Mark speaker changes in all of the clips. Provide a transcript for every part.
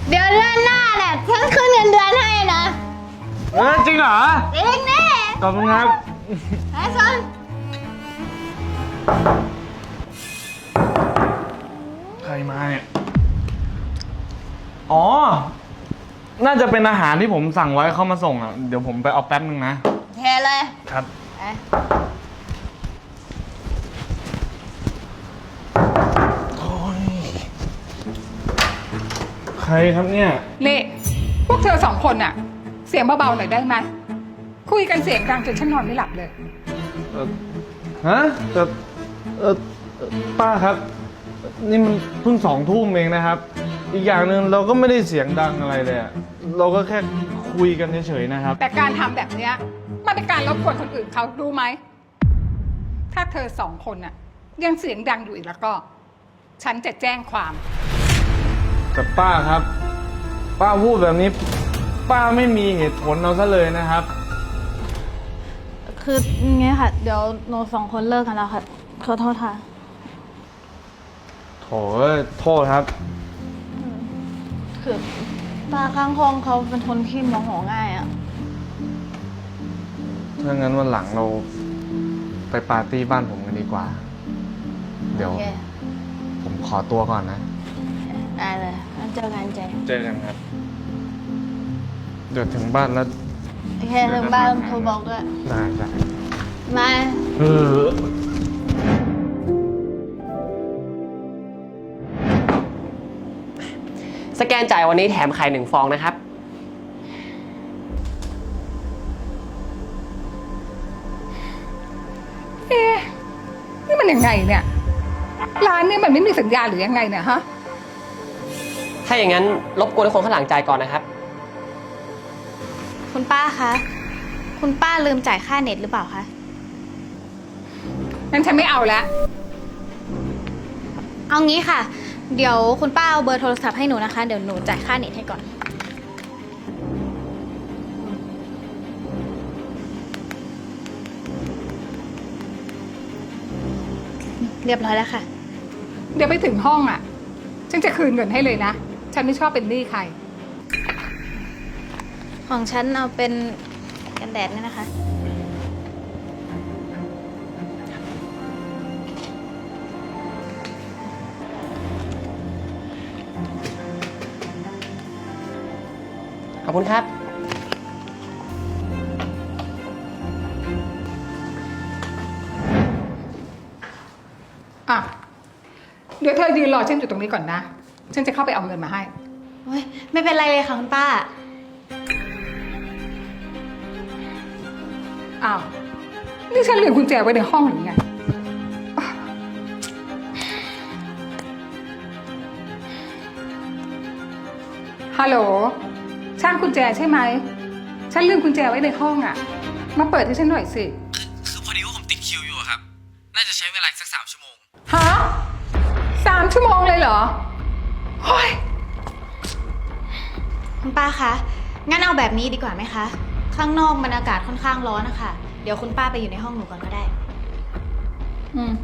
Speaker 1: เดี๋ยวเดือนหน้าเนี่ยฉันคืนเงินเดือนให้นะ
Speaker 2: จริงเหรอ
Speaker 1: จริงนี่
Speaker 2: ขอบคุณครับ
Speaker 1: ไอ้ชน
Speaker 2: ใครมาเนี่ย อ๋อ น่าจะเป็นอาหารที่ผมสั่งไว้เขามาส่งอ่ะ เดี๋ยวผมไปเอาแป๊บนึงนะ
Speaker 1: เทเลย
Speaker 2: ครับ
Speaker 1: ไป
Speaker 2: ใครครับเนี่ย
Speaker 3: นี่พวกเธอสองคนอะเสียงเบาๆหน่อยได้ไหมคุยกันเสียงดังจนฉันนอนไม่หลับเลย
Speaker 2: ฮะแต่ป้าครับ นี่มันเพิ่ง2 ทุ่มเองนะครับ อีกอย่างหนึ่งเราก็ไม่ได้เสียงดังอะไรเลยอะเราก็แค่คุยกันเฉยๆนะครับ
Speaker 3: แต่การทำแบบเนี้ยมันเป็นการรบกวนคนอื่นเขารู้ไหมถ้าเธอสองคนน่ะยังเสียงดังอยู่อีกแล้วก็ ฉันจะแจ้งความ
Speaker 2: แต่ป้าครับ ป้าพูดแบบนี้ ป้าไม่มีเหตุผลเอาซะเลยนะครับ
Speaker 1: คืออย่างเงี้ยค่ะ เดี๋ยวหนู2 คนเลิกกันแล้วค่ะ ขอโทษค่ะ
Speaker 2: โถโทษครับ
Speaker 1: คือป้าข้างห้องเขาเป็นคนที่โมโหง่ายอะ
Speaker 2: ถ้างั้นวันหลังเราไปปาร์ตี้บ้านผมกันดีกว่า เดี๋ยว
Speaker 1: โอเค
Speaker 2: ผมขอตัวก่อนนะ
Speaker 1: ได้เลยงั้นเจอกันเจ
Speaker 2: เจอกันครับ เดี๋ยวถึงบ้านแล้ว
Speaker 1: โอเคถึงบ้านโทรบอกด้วย
Speaker 2: ได้จ้ะ
Speaker 1: มา
Speaker 2: เออ
Speaker 4: สแกนจ่ายวันนี้แถมไข่1 ฟองนะครับ
Speaker 3: เอ๊ะนี่มันยังไงเนี่ยร้านเนี่ยมันไม่มีสัญญาหรือยังไงเนี่ยฮะ
Speaker 4: ถ้าอย่างนั้นรบกวนให้คนข้างหลังจ่ายก่อนนะครับ
Speaker 1: คุณป้าคะ คุณป้าลืมจ่ายค่าเน็ตหรือเปล่าคะ
Speaker 3: งั้นฉันไม่เอาแล้ว
Speaker 1: เอางี้ค่ะ เดี๋ยวคุณป้าเอาเบอร์โทรศัพท์ให้หนูนะคะ เดี๋ยวหนูจ่ายค่าเน็ตให้ก่อน เรียบร้อยแล้วค่ะ
Speaker 3: เดี๋ยวไปถึงห้องอ่ะ ฉันจะคืนเงินให้เลยนะ ฉันไม่ชอบเป็นหนี้ใคร
Speaker 1: ของฉันเอาเป็นกันแดดนี่นะคะ
Speaker 4: ขอบคุณครับ
Speaker 3: อ่ะ เดี๋ยวเธอยืนรอฉันอยู่ตรงนี้ก่อนนะ ฉันจะเข้าไปเอาเงินมาให้
Speaker 1: โอ้ยไม่เป็นไรเลยค่ะคุณป้า
Speaker 3: อ้าว นี่ฉันลืมกุญแจไว้ในห้องหรือไง ฮัลโหล ช่างกุญแจใช่ไหม ฉันลืมกุญแจไว้ในห้องอ่ะ มาเปิดให้ฉันหน่อยสิ
Speaker 5: คือพอดีว่าผมติดคิวอยู่อะครับ น่าจะใช้เวลาอีกสัก3 ชั่วโมง
Speaker 3: ฮะ3 ชั่วโมงเลยเหรอเฮ้ย
Speaker 1: คุณป้าคะ งั้นเอาแบบนี้ดีกว่าไหมคะ ข้างนอกมันอากาศค่อนข้างร้อนนะคะ เดี๋ยวคุณป้าไปอยู่ในห้องหนูก่อนก็ได้
Speaker 3: อืม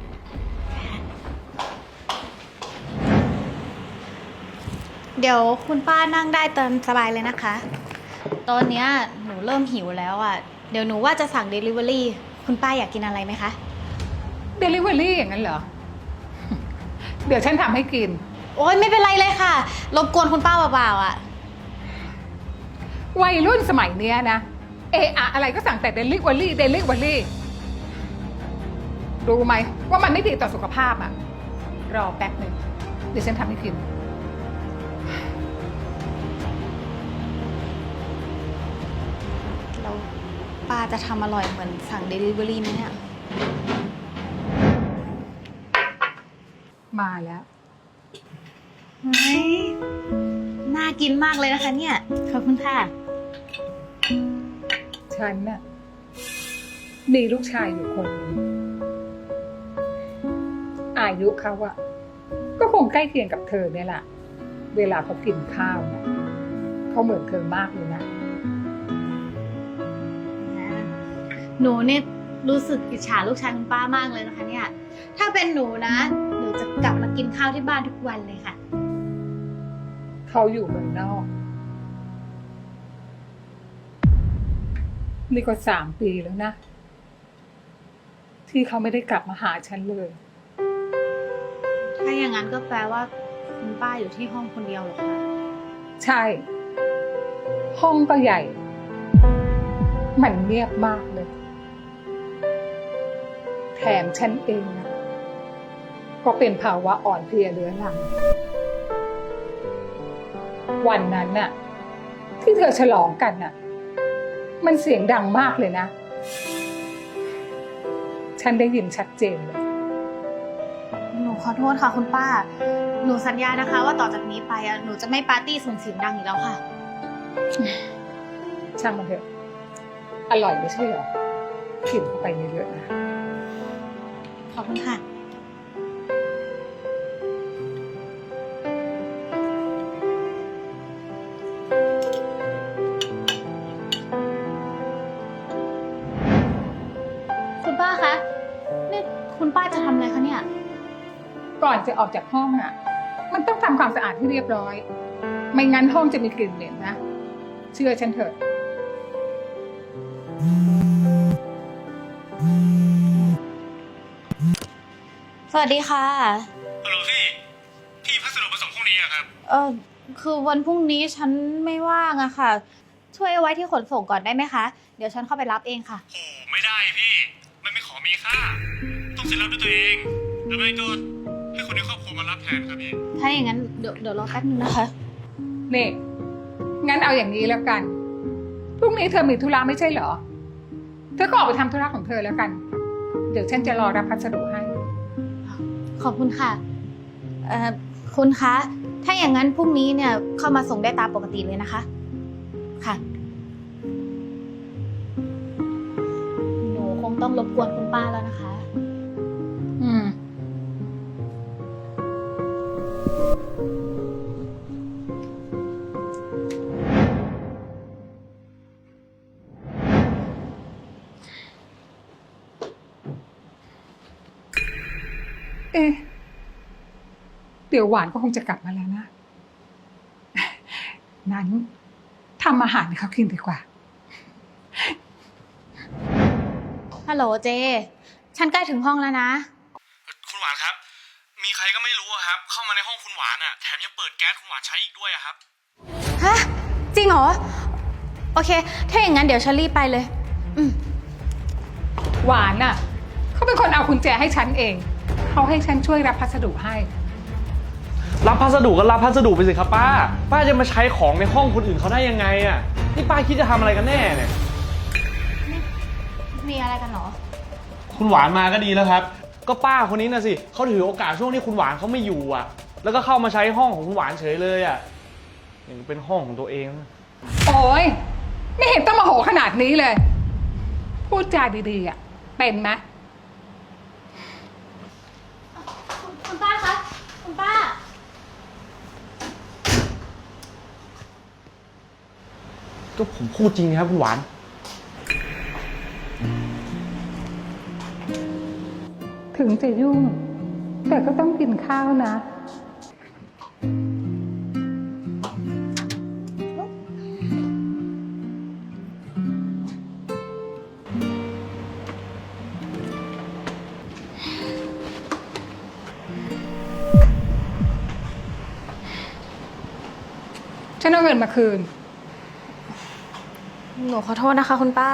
Speaker 1: เดี๋ยวคุณป้านั่งได้เติมสบายเลยนะคะ ตอนเนี้ยหนูเริ่มหิวแล้วอ่ะ เดี๋ยวหนูว่าจะสั่ง Delivery คุณป้าอยากกินอะไรไหมคะ
Speaker 3: เดลิเวอรี่อย่างนั้นเหรอ เดี๋ยวฉันทำให้กิน
Speaker 1: โอ๊ยไม่เป็นไรเลยค่ะ รบกวนคุณป้าเปล่าๆอ่ะ
Speaker 3: วัยรุ่นสมัยเนี้ยนะ เอะอะอะไรก็สั่งแต่เดลิเวอรี่ เดลิเวอรี่ รู้ไหมว่ามันไม่ดีต่อสุขภาพอ่ะ รอแป๊บหนึ่งเดี๋ยวฉันทำให้กิน
Speaker 1: แล้วป้าจะทำอร่อยเหมือนสั่ง Delivery ไหมเนี่ย
Speaker 3: มาแล้ว
Speaker 1: น่ากินมากเลยนะคะเนี่ย ขอบคุณค่ะ
Speaker 3: ฉันน่ะมีลูกชายอยู่คนหนึงอายุเขาอะก็คงใกล้เคียงกับเธอเนี่ยแหละ เวลาเขากินข้าวนะเขาเหมือนเธอมากเลยนะ
Speaker 1: หนูเนี่ยรู้สึกอิจฉาลูกชายคุณป้ามากเลยนะคะเนี่ย ถ้าเป็นหนูนะ หนูจะกลับมากินข้าวที่บ้านทุกวันเลยค่ะ
Speaker 3: เขาอยู่เมืองนอก นี่ก็3 ปีแล้วนะ ที่เขาไม่ได้กลับมาหาฉันเลย
Speaker 1: ถ้าอย่างนั้นก็แปลว่าคุณป้าอยู่ที่ห้องคนเดียวเหรอคะ
Speaker 3: ใช่ ห้องก็ใหญ่ มันเงียบมากเลย แถมฉันเองนะก็เป็นภาวะอ่อนเพลียเรื้อรัง วันนั้นน่ะ ที่เธอฉลองกันน่ะ มันเสียงดังมากเลยนะ ฉันได้ยินชัดเจนเลย
Speaker 1: หนูขอโทษค่ะคุณป้า หนูสัญญานะคะ ว่าต่อจากนี้ไปอ่ะหนูจะไม่ปาร์ตี้ส่งเสียงดังอีกแล้วค่ะ
Speaker 3: ช่างมันเถอะ อร่อยไม่ใช่เหรอกินเข้าไปเยอะๆนะ
Speaker 1: ขอบคุณค่ะ คุณป้าคะ นี่คุณป้าจะทำอะไรคะเนี่ย
Speaker 3: ก่อนจะออกจากห้องอ่ะ มันต้องทำความสะอาดให้เรียบร้อย ไม่งั้นห้องจะมีกลิ่นเหม็นนะ เชื่อฉันเถอะ
Speaker 1: สวัสดีค่ะ
Speaker 5: ฮัลโหลพี่พัสดุมาส่งพรุ่งนี้อะครับ
Speaker 1: คือวันพรุ่งนี้ฉันไม่ว่างอะค่ะ ช่วยเอาไว้ที่ขนส่งก่อนได้ไหมคะ เดี๋ยวฉันเข้าไปรับเองค่ะ
Speaker 5: โอ้ไม่ได้พี่ มันเป็นของมีค่า ต้องเซ็นรับด้วยตัวเอง หรือไม่ก็ให้คนในครอบครัวมารับแทนครับพี่
Speaker 1: ถ้าอย่างนั้นเดี๋ยวรอแป๊บนึงนะคะ
Speaker 3: นี่ งั้นเอาอย่างนี้แล้วกัน พรุ่งนี้เธอมีธุระไม่ใช่เหรอ เธอก็ออกไปทำธุระของเธอแล้วกัน เดี๋ยวฉันจะรอรับพัสดุให้
Speaker 1: ขอบคุณค่ะ คุณคะ ถ้าอย่างนั้นพรุ่งนี้เนี่ยเข้ามาส่งได้ตามปกติเลยนะคะ ค่ะ หนูคงต้องรบกวนคุณป้าแล้วนะคะ
Speaker 3: อืม เอ๊ะ เดี๋ยวหวานก็คงจะกลับมาแล้วนะ นั้นทำอาหารให้เขากินดีกว่า
Speaker 1: ฮัลโหลเจ ฉันใกล้ถึงห้องแล้วนะ
Speaker 5: คุณหวานครับ มีใครก็ไม่รู้อะครับ เข้ามาในห้องคุณหวานอะแถมยังเปิดแก๊สคุณหวานใช้อีกด้วยอะครับ
Speaker 1: ฮะ จริงเหรอ โอเค ถ้าอย่างนั้นเดี๋ยวฉันรีบไปเลย
Speaker 3: หวานน่ะเขาเป็นคนเอากุญแจให้ฉันเอง เขาให้ฉันช่วยรับพัสดุให้
Speaker 2: รับพัสดุก็รับพัสดุไปสิครับป้า ป้าจะมาใช้ของในห้องคนอื่นเขาได้ยังไงอ่ะ นี่ป้าคิดจะทำอะไรกันแน่เนี่ย
Speaker 1: มีอะไรกันเหรอ
Speaker 2: คุณหวานมาก็ดีแล้วครับ ก็ป้าคนนี้นะสิเขาถือโอกาสช่วงที่คุณหวานเขาไม่อยู่อ่ะ แล้วก็เข้ามาใช้ห้องของคุณหวานเฉยเลยอ่ะอย่างเป็นห้องของตัวเองนะ
Speaker 3: โอ้ยไม่เห็นต้องมาโหขนาดนี้เลย พูดจาดีๆอ่ะ เป็นไหม
Speaker 1: คุณป้าคะ คุณป้า
Speaker 2: ก็ผมพูดจริงนะครับคุณหวาน
Speaker 3: ถึงจะยุ่ง แต่ก็ต้องกินข้าวนะ ฉันเอาเงินมาคืน
Speaker 1: หนูขอโทษนะคะคุณป้า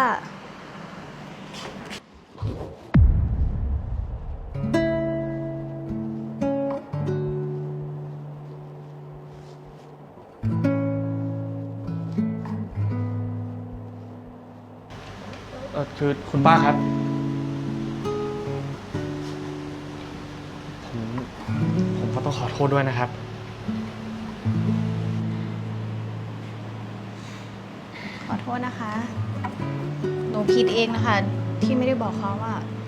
Speaker 2: คือคุณป้าครับ ผมก็ต้องขอโทษด้วยนะครับ
Speaker 1: ขอโทษนะคะ หนูผิดเองนะคะ ที่ไม่ได้บอกเขาว่า